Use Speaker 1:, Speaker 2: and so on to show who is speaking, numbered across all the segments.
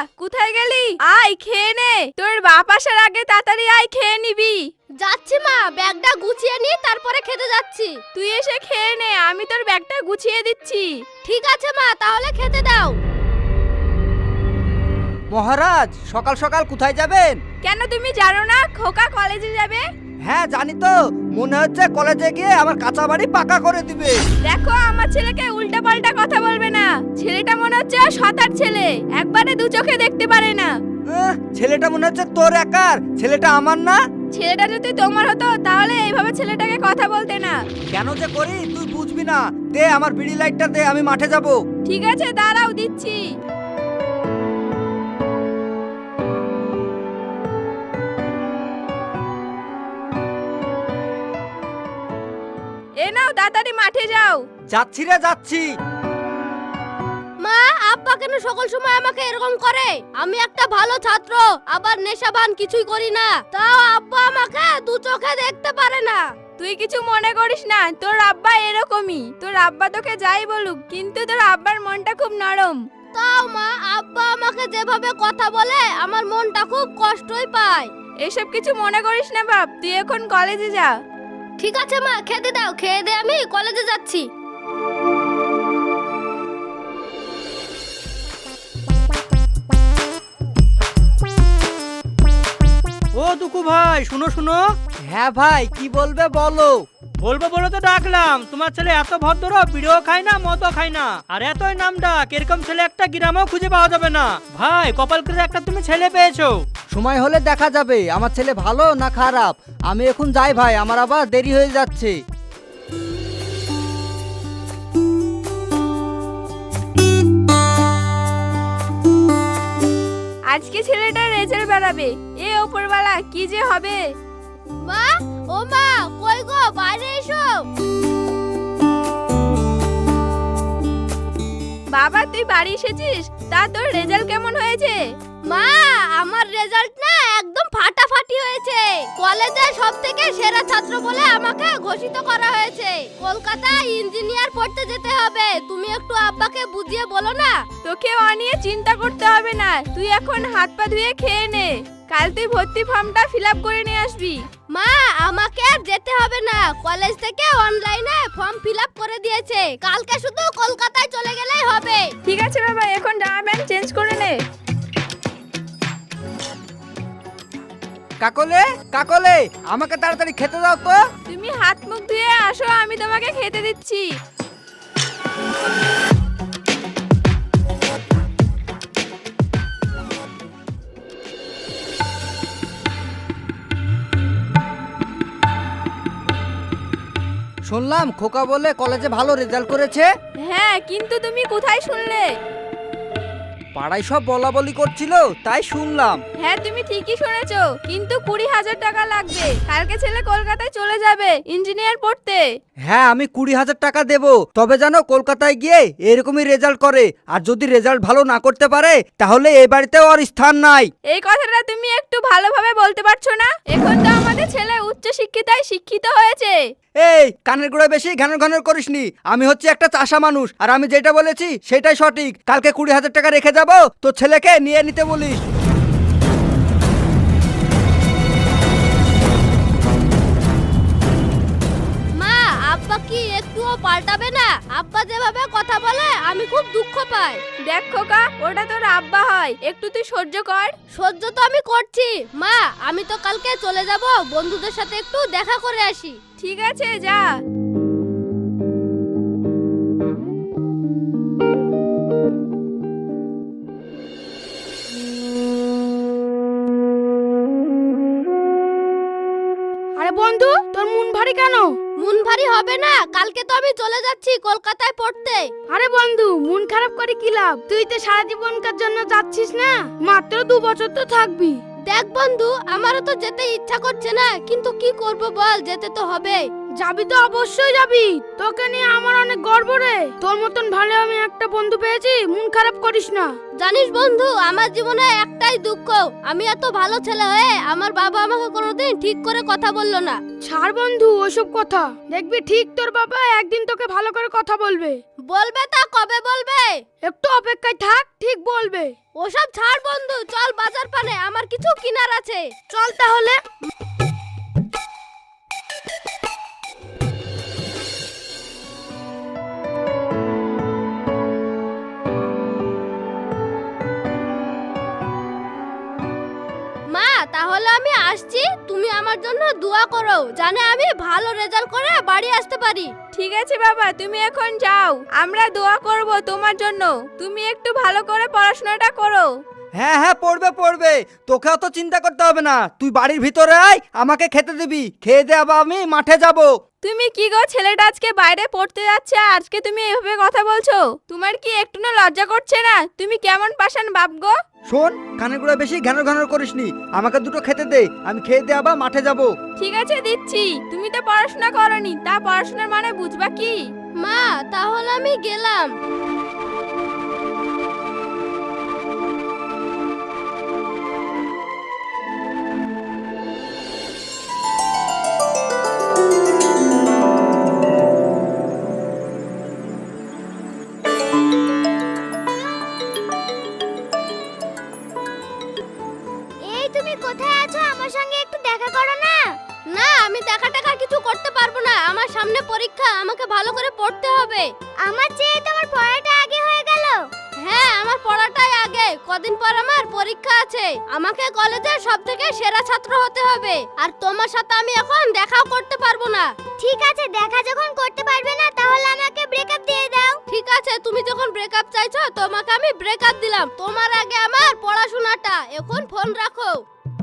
Speaker 1: কোথায় গেলি? আয় খেয়ে নে, তোর বাপ আসার আগে তাড়াতাড়ি আয়, খেয়ে নিবি।
Speaker 2: যাচ্ছি মা, ব্যাগটা গুছিয়ে নি, তারপরে খেতে যাচ্ছি।
Speaker 1: তুই এসে খেয়ে নে, আমি তোর ব্যাগটা গুছিয়ে দিচ্ছি।
Speaker 2: ঠিক আছে মা, তাহলে খেতে দাও।
Speaker 3: মহারাজ, সকাল সকাল কোথায় যাবেন?
Speaker 1: কেন তুমি জানো না খোকা কলেজে যাবে?
Speaker 3: হ্যাঁ জানি তো, মনে হচ্ছে কলেজে গিয়ে আমার কাঁচা বাড়ি পাকা করে দিবে।
Speaker 1: দেখো আমার ছেলেকে উল্টাপাল্টা কথা বলবে না। ছেলেটা মনে হচ্ছে শতার ছেলে, একবারে দু চোখে দেখতে পারে না।
Speaker 3: ছেলেটা মনে হচ্ছে তোর একার, ছেলেটা আমার না।
Speaker 1: ছেলেটা যদি তোমার হতো তাহলে এইভাবে ছেলেটাকে কথা বলতে না।
Speaker 3: কেন যে করি তুই বুঝবি না। দে আমার বিড়ি লাইটটা দে, আমি মাঠে যাব।
Speaker 1: ঠিক আছে দাঁড়াও, দিচ্ছি। এ নাও, তাড়াতাড়ি মাঠে যাও।
Speaker 3: যাচ্ছি রে যাচ্ছি।
Speaker 2: মা, আব্বা কেন সকল সময় আমাকে এরকম করে? আমি একটা ভালো ছাত্র, আবার নেশাবান কিছুই করি না, তাও আব্বা আমাকে দু চোখে দেখতে পারে না।
Speaker 1: তুই কিছু মনে করিস না, তোর আব্বা এরকমই। তোর আব্বা তোকে যাই বলুক, কিন্তু তোর আব্বার মনটা খুব নরম।
Speaker 2: তাও মা, আব্বা আমাকে যেভাবে কথা বলে আমার মনটা খুব কষ্টই পায়।
Speaker 1: এসব কিছু মনে করিস না বাপ, তুই এখন কলেজে যা।
Speaker 2: ঠিক আছে মা, খেতে দাও, খেয়ে দে আমি কলেজে যাচ্ছি।
Speaker 4: ও দুকু ভাই, শুনো শুনো।
Speaker 3: হ্যাঁ ভাই, কি বলবে বলো।
Speaker 4: বলবো বলে তো ডাকলাম। তোমার ছেলে এত ভদ্র, বিড়িও খায় না, মদও খায় না, আর এতই নাম ডাক, এরকম ছেলে একটা গ্রামেও খুঁজে পাওয়া যাবে না। ভাই, কপাল করে একটা তুমি ছেলে পেয়েছো।
Speaker 3: সময় হলে দেখা যাবে আমার ছেলে ভালো না খারাপ। আমি এখন যাই ভাই, আমার আবার দেরি হয়ে যাচ্ছে।
Speaker 1: আজকে ছেলেটার রেজাল্ট বেরাবে, এ ওপরওয়ালা কি যে হবে।
Speaker 2: মা, ও মা, কই গো, বাইরে এসো।
Speaker 1: বাবা তুই বাড়ি এসেছিস? তা তোর রেজাল্ট কেমন হয়েছে?
Speaker 2: মা, আমার রেজাল্ট না একদম ফাটাফাটি হয়েছে। কলেজে সবথেকে সেরা ছাত্র বলে আমাকে ঘোষিত করা হয়েছে। কলকাতায় ইঞ্জিনিয়ার পড়তে যেতে হবে। তুমি একটু আব্বাকে বুঝিয়ে বলো না।
Speaker 1: তোকে ও নিয়ে চিন্তা করতে হবে না, তুই এখন হাত পা ধুয়ে খেয়ে নে। কাল তুই ভর্তি ফর্মটা ফিল আপ করে নিয়ে আসবি।
Speaker 2: মা, আমাকে আর যেতে হবে না, কলেজ থেকে অনলাইনে ফর্ম ফিল আপ করে দিয়েছে। কালকে শুধু কলকাতায় চলে গেলেই হবে।
Speaker 1: ঠিক আছে বাবা, এখন জামা প্যান্ট চেঞ্জ করে নে।
Speaker 3: কাকলে, কাকলে, আমাকে তাড়াতাড়ি খেতে দাও তো।
Speaker 1: তুমি হাত মুখ ধুয়ে আসো, আমি তোমাকে খেতে দিচ্ছি।
Speaker 3: শুনলাম খোকা বলে কলেজে ভালো রেজাল্ট করেছে।
Speaker 1: হ্যাঁ, কিন্তু তুমি কোথায় শুনলে?
Speaker 3: পাড়ায় সব বলা বলি করছিল, তাই শুনলাম।
Speaker 1: হ্যাঁ তুমি ঠিকই শুনেছো, কিন্তু 20,000 টাকা লাগবে। কালকে ছেলে কলকাতায় চলে যাবে ইঞ্জিনিয়ার পড়তে।
Speaker 3: হ্যাঁ, আমি 20,000 টাকা দেব, তবে জানো কলকাতায় গিয়ে এরকমই রেজাল্ট করে। আর যদি রেজাল্ট ভালো না করতে পারে তাহলে এই বাড়িতে ওর স্থান নাই।
Speaker 1: এই কথাটা তুমি একটু ভালোভাবে বলতে পারছো না? এখন তো আমাদের ছেলে উচ্চ শিক্ষিতায় শিক্ষিত হয়েছে।
Speaker 3: এই কানের গোড়ায় বেশি ঘ্যানর ঘ্যানর করিসনি। আমি হচ্ছে একটা চাষা মানুষ, আর আমি যেটা বলেছি সেটাই সঠিক। কালকে 20,000 টাকা রেখে যাবো, তো ছেলেকে নিয়ে নিতে বলিস।
Speaker 2: মা, আব্বা কি একটুও পাল্টাবে না? আব্বা যেভাবে কথা বলে আমি খুব দুঃখ পাই।
Speaker 1: দেখ খোকা, ওটা তোর আব্বা হয়, একটু তুই সহ্য কর।
Speaker 2: সহ্য তো আমি করছি মা, আমি তো কালকে চলে যাব, বন্ধুদের সাথে একটু দেখা করে আসি।
Speaker 1: ঠিক আছে যা।
Speaker 2: আরে বন্ধু, তোর মন ভারী কেন? মন ভারী হবে না, কালকে তো আমি চলে যাচ্ছি কলকাতায় পড়তে।
Speaker 5: আরে বন্ধু, মন খারাপ করে কি লাভ? তুই তো সারা জীবনকার জন্য যাচ্ছিস না, মাত্র 2 বছর তো থাকবি।
Speaker 2: দেখ বন্ধু, আমারও তো যেতে ইচ্ছা করছে না, কিন্তু কি করব বল, যেতে তো হবে।
Speaker 5: যাবি তো অবশ্যই যাবি, তোকে নিয়ে আমার অনেক গর্ব রে। তোর মতন ভালো আমি একটা বন্ধু পেয়েছি, মন খারাপ করিস না।
Speaker 2: জানিস বন্ধু, আমার জীবনে একটাই দুঃখ, আমি এত ভালো ছেলে হয়ে আমার বাবা আমাকে কোনোদিন ঠিক করে কথা বললো না।
Speaker 5: ছাড় বন্ধু ওসব কথা, দেখবি ঠিক তোর বাবা একদিন তোকে ভালো করে কথা বলবে।
Speaker 2: বলবে তা কবে বলবে?
Speaker 5: একটু অপেক্ষায় থাক, ঠিক বলবে।
Speaker 2: ওসব ছাড় বন্ধু, চল বাজার পানে, আমার কিছু কিনার আছে।
Speaker 5: চল তাহলে।
Speaker 2: মা তাহলে আমি আসছি, তুমি আমার জন্য দোয়া করো জানে আমি ভালো রেজাল্ট করে বাড়ি আসতে পারি।
Speaker 1: ঠিক আছে বাবা, তুমি এখন যাও, আমরা দোয়া করব তোমার জন্য। তুমি একটু ভালো করে পড়াশোনাটা করো।
Speaker 3: হ্যাঁ হ্যাঁ, পড়বে পড়বে, তোকে অত চিন্তা করতে হবে না। তুই বাড়ির ভিতরে আয়, আমাকে খেতে দিবি, খেয়ে দে আবার আমি মাঠে যাব।
Speaker 1: তুমি কি গো, ছেলেটা আজকে বাইরে পড়তে যাচ্ছে, আজকে তুমি এভাবে কথা বলছো? তোমার কি একটু না লজ্জা করছে না? তুমি কেমন পাশান বাপ গো?
Speaker 3: শোন, কানের গুঁড়া বেশি ঘ্যানর ঘ্যানর করিসনি, আমাকে দুটো খেতে দে, আমি খেয়ে দে আবার মাঠে যাব।
Speaker 1: ঠিক আছে দিচ্ছি, তুমি তো পড়াশোনা করনি, তা পড়াশোনার মানে বুঝবা কি?
Speaker 2: মা তাহলে আমি গেলাম। এই তুমি কোথায় আছো? আমার সঙ্গে একটু দেখা করো না। না, আমি দেখা টাকা কিছু করতে পারবো না, আমার সামনে পরীক্ষা, আমাকে ভালো করে পড়তে হবে। আমার চেয়ে তোমার পড়াটা আগে হয়ে গেল। হ্যাঁ, আমার পড়াটাই আগে, কদিন পর আমার পরীক্ষা আছে, আমাকে কলেজের সবথেকে সেরা ছাত্র হতে হবে। আর তোমার সাথে আমি এখন দেখাও করতে পারবো না। ঠিক আছে, দেখা যখন করতে পারবে না তাহলে আমাকে ব্রেকআপ দিয়ে দাও। ঠিক আছে, তুমি যখন ব্রেকআপ চাইছো তোমাকে আমি ব্রেকআপ দিলাম, তোমার আগে আমার পড়াশোনাটা। এখন ফোন রাখো।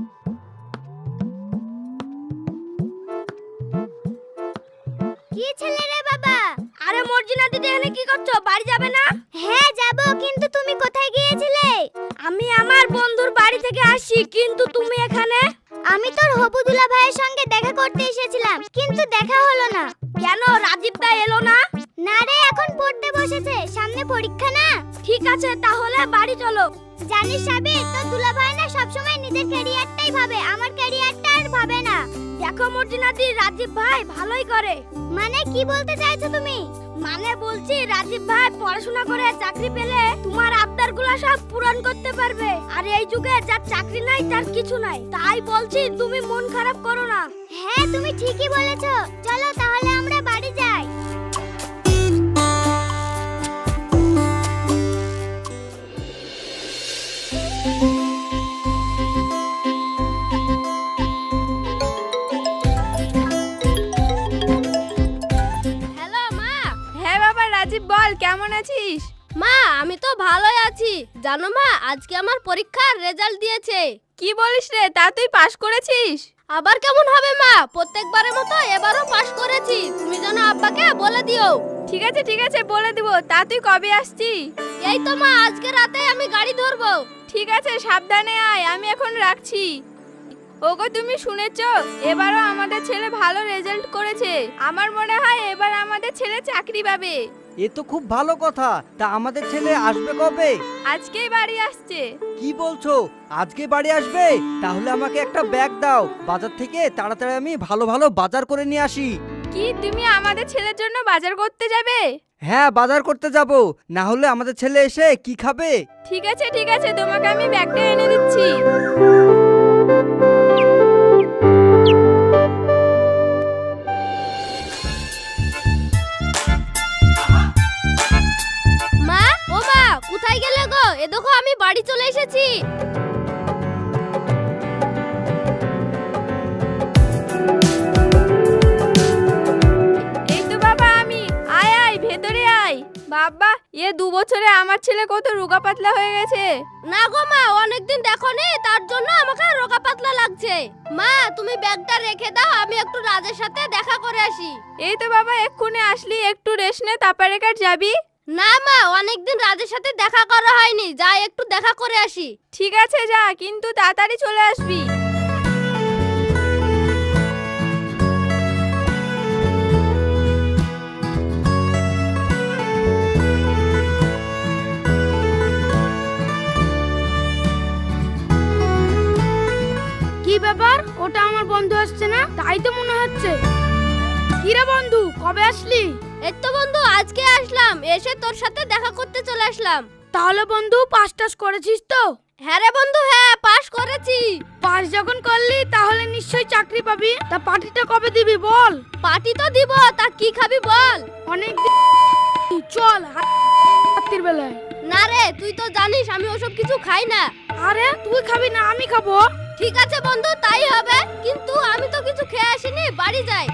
Speaker 2: কি ছেলে রে বাবা?
Speaker 5: আরে মর্জিনা দিদি, এখানে কি করছো? বাড়ি যাবে না?
Speaker 2: হ্যাঁ যাব, কিন্তু তুমি কোথায় গিয়েছিলে?
Speaker 5: আমি আমার বন্ধুর বাড়ি থেকে আসি, কিন্তু তুমি এখানে?
Speaker 2: আমি তোর হবু দুলা ভাইয়ের সঙ্গে দেখা করতে এসেছিলাম, কিন্তু দেখা হলো না।
Speaker 5: কেন, রাজীব দা এলো না?
Speaker 2: না রে, এখন পড়তে বসেছে, সামনে পরীক্ষা না।
Speaker 5: ঠিক আছে, তাহলে বাড়ি চলো।
Speaker 2: জানিস সাবির, তোর দুলা ভাই না সবসময় নিজের ক্যারিয়ারটাই ভাবে, আমার ক্যারিয়ারটা আর ভাবে না।
Speaker 5: দেখো মর্জিনা দি, রাজীব ভাই ভালোই করে।
Speaker 2: মানে কি বলতে চাইছো তুমি?
Speaker 5: মানে বলছি, রাজীব ভাই পড়াশোনা করে চাকরি পেলে তোমার আবদারগুলো সব পূরণ করতে পারবে। আর এই যুগে যার চাকরি নাই তার কিছু নাই, তাই বলছি তুমি মন খারাপ করো না।
Speaker 2: হ্যাঁ তুমি ঠিকই বলেছো, চলো তাহলে আমরা বাড়ি যাই। হ্যালো মা।
Speaker 1: হ্যাঁ বাবা রাজীব, বল কেমন আছিস?
Speaker 2: মা আমি তো ভালোই আছি, জানো মা আজকে আমার পরীক্ষার রেজাল্ট দিয়েছে।
Speaker 1: কি বলিস রে, তা তুই পাশ করেছিস?
Speaker 2: আবার কেমন হবে মা, প্রত্যেকবারের মতো এবারও পাশ করেছি, তুমি যেন আব্বাকে বলে দিও।
Speaker 1: ঠিক আছে ঠিক আছে, বলে দিব। তা তুই কবে আসছি?
Speaker 2: এই তো মা, আজকে রাতে আমি গাড়ি ধরবো।
Speaker 1: ঠিক আছে, সাবধানে আয়, আমি এখন রাখছি। ওগো তুমি শুনেছো, এবারও আমাদের ছেলে ভালো রেজাল্ট করেছে। আমার মনে হয় এবার আমাদের ছেলে চাকরি পাবে।
Speaker 3: এ তো খুব ভালো কথা। তা আমাদের ছেলে আসবে কবে?
Speaker 1: আজকেই বাড়ি আসছে।
Speaker 3: কি বলছো, আজকে বাড়ি আসবে? তাহলে আমাকে একটা ব্যাগ দাও, বাজার থেকে তাড়াতাড়ি আমি ভালো ভালো বাজার করে নিয়ে আসি।
Speaker 1: কি, তুমি আমাদের ছেলের জন্য বাজার করতে যাবে?
Speaker 3: হ্যাঁ, বাজার করতে যাব, না হলে আমাদের ছেলে এসে কি খাবে?
Speaker 1: ঠিক আছে, তোমাকে আমি ব্যাগটা এনে দিচ্ছি।
Speaker 2: মা, ও মা, কোথায় গেলে গো? এ দেখো আমি বাড়ি চলে এসেছি।
Speaker 1: এই তো বাবা আমি, আয় আয় ভেতরে আয়। বাবা, 2 বছরে আমার ছেলে কত রোগা পাতলা হয়ে গেছে।
Speaker 2: না গো মা, অনেকদিন দেখোনি, তার জন্য আমাকে রোগা পাতলা লাগছে। মা তুমি ব্যাগটা রেখে দাও, আমি একটু রাজের সাথে দেখা করে আসি।
Speaker 1: এই তো বাবা এক্ষুনি আসলি, একটু রেস্ট নে, তারপরে কার যাবি?
Speaker 2: না মা, অনেকদিন রাজের সাথে দেখা করা হয়নি, যাই একটু দেখা করে আসি।
Speaker 1: ঠিক আছে যা, কিন্তু তাড়াতাড়ি চলে আসবি।
Speaker 5: বন্ধু আসছে না, তাই তো মনে হচ্ছে। কিরে বন্ধু, কবে আসলি?
Speaker 2: এই তো বন্ধু আজকে আসলাম, এসে তোর সাথে দেখা করতে চলে আসলাম।
Speaker 5: তাহলে বন্ধু পাস টাস করেছিস তো?
Speaker 2: হ্যাঁ রে বন্ধু, হ্যাঁ পাস করেছি।
Speaker 5: পাস যখন করলি তাহলে নিশ্চয়ই চাকরি পাবি। তা পার্টিটা কবে দিবি বল?
Speaker 2: পার্টি তো দিব, তা কি খাবি বল?
Speaker 5: অনেক চল রাত্রির বেলায়।
Speaker 2: না রে, তুই তো জানিস আমি ওসব কিছু খাই না।
Speaker 5: আরে তুই খাবি না আমি খাবো।
Speaker 2: ঠিক আছে বন্ধু, তাই হবে, কিন্তু আমি তো কিছু খেয়ে আসিনি, বাড়ি যাই।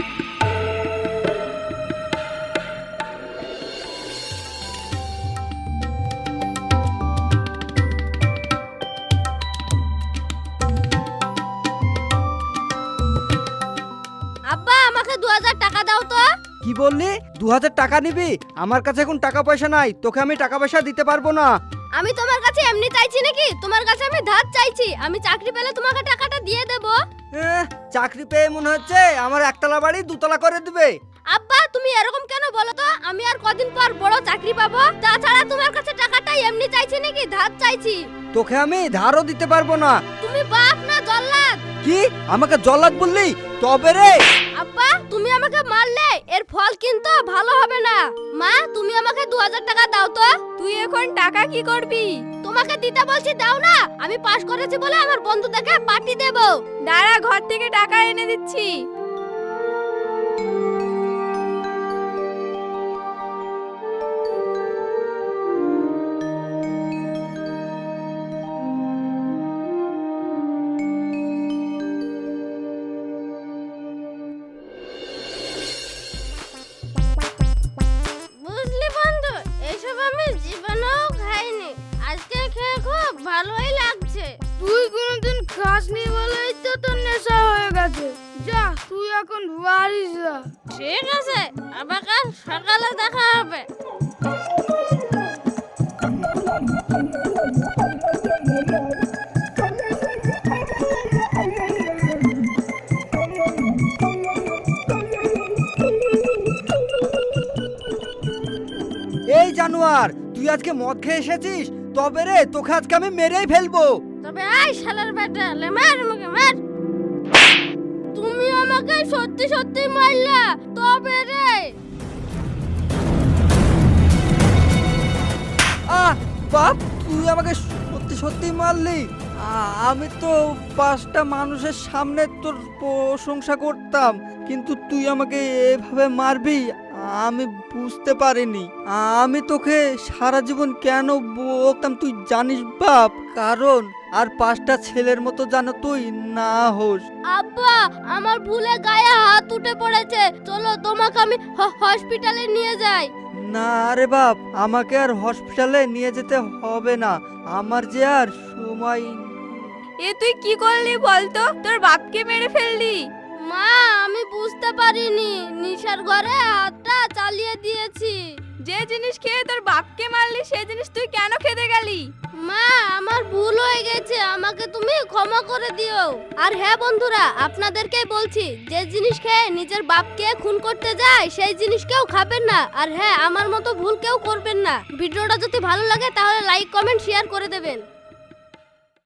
Speaker 2: আব্বা আমাকে 2000 টাকা দাও তো।
Speaker 3: কি বললি? 2000 টাকা নিবি? আমার কাছে এখন টাকা পয়সা নাই, তোকে আমি টাকা পয়সা দিতে পারবো না।
Speaker 2: আমি তোমার কাছে এমনি চাইছি নাকি? তোমার কাছে আমি ধার চাইছি। আমি চাকরি পেলে তোমাকে টাকাটা দিয়ে দেব।
Speaker 3: চাকরি পেয়ে মনে হচ্ছে আমার একতলা বাড়ি দুতলা করে দিবে।
Speaker 2: আব্বা তুমি এরকম কেন বলো তো? আমি আর কদিন পর বড় চাকরি পাবো। তাছাড়া তোমার কাছে টাকাটা এমনি চাইছি নাকি, ধার চাইছি।
Speaker 3: তোকে আমি ধারও দিতে পারবো না।
Speaker 2: তুমি বাপ না জল্লাদ?
Speaker 3: কি আমাকে জল্লাদ বললি? তবে রে
Speaker 2: আব্বা তুমি আমাকে মারলে এর ফল কিন্তু ভালো হবে না। মা তুমি আমাকে 2000 টাকা দাও তো।
Speaker 1: তুই এখন টাকা কি করবি?
Speaker 2: তোমাকে দিতে বলছি, দাও না। আমি পাস করেছি বলে আমার বন্ধুদেরকে পার্টি দেব।
Speaker 1: দাঁড়া, ঘর থেকে টাকা এনে দিচ্ছি।
Speaker 2: বুঝলি বন্ধু, এসব আমি জীবনেও খাইনি। আজকে খেয়ে খুব ভালোই লাগছে।
Speaker 5: তুই কোনোদিন খাসনি বলেই তো তোর নেশা হয়ে গেছে। যা তুই এখন বাড়ি যা।
Speaker 2: ঠিক আছে, আবার কাল সকালে দেখা হবে।
Speaker 3: এই জানোয়ার, তুই আজকে মদ খেয়ে এসেছিস? তবে রে তোকে আজকে আমি মেরেই ফেলবো।
Speaker 2: তবে আই শালার বেটা, লে মার আমাকে মার। তুমি আমাকে সত্যি সত্যি মারলা? তবে রে
Speaker 3: বাপ, তুই আমাকে সত্যি সত্যি মারলি? আমি তো 5টা মানুষের সামনে তোর প্রশংসা করতাম, কিন্তু তুই আমাকে এভাবে মারবি আমি বুঝতে পারিনি। আমি তোকে সারা জীবন কেন বকতাম তুই জানিস বাপ? কারণ আর 5টা ছেলের মতো যেন তুই না হোস।
Speaker 2: আব্বা আমার ভুলে গায়ে হাত উঠে পড়েছে, চলো তোমাকে আমি হসপিটালে নিয়ে যাই।
Speaker 3: না রে বাপ, আমাকে আর হসপিটালে নিয়ে যেতে হবে না, আমার যে আর সময়।
Speaker 1: এ তুই কি করলি বলতো? তোর বাপকে মেরে ফেললি?
Speaker 2: মা আমি বুঝতে পারিনি, নিশার ঘরে হাতটা চালিয়ে দিয়েছি।
Speaker 1: যে জিনিস খেয়ে তোর বাপকে মারলি সেই জিনিস তুই কেন খেতে গেলি?
Speaker 2: মা আমার ভুল হয়ে গেছে, আমাকে তুমি ক্ষমা করে দিও। আর হ্যাঁ বন্ধুরা, আপনাদেরকে বলছি, যে জিনিস খেয়ে নিজের বাপকে খুন করতে যায় সেই জিনিস কেউ খাবেন না। আর হ্যাঁ, আমার মতো ভুল কেউ করবেন না। ভিডিওটা যদি ভালো লাগে তাহলে লাইক কমেন্ট শেয়ার করে দেবেন।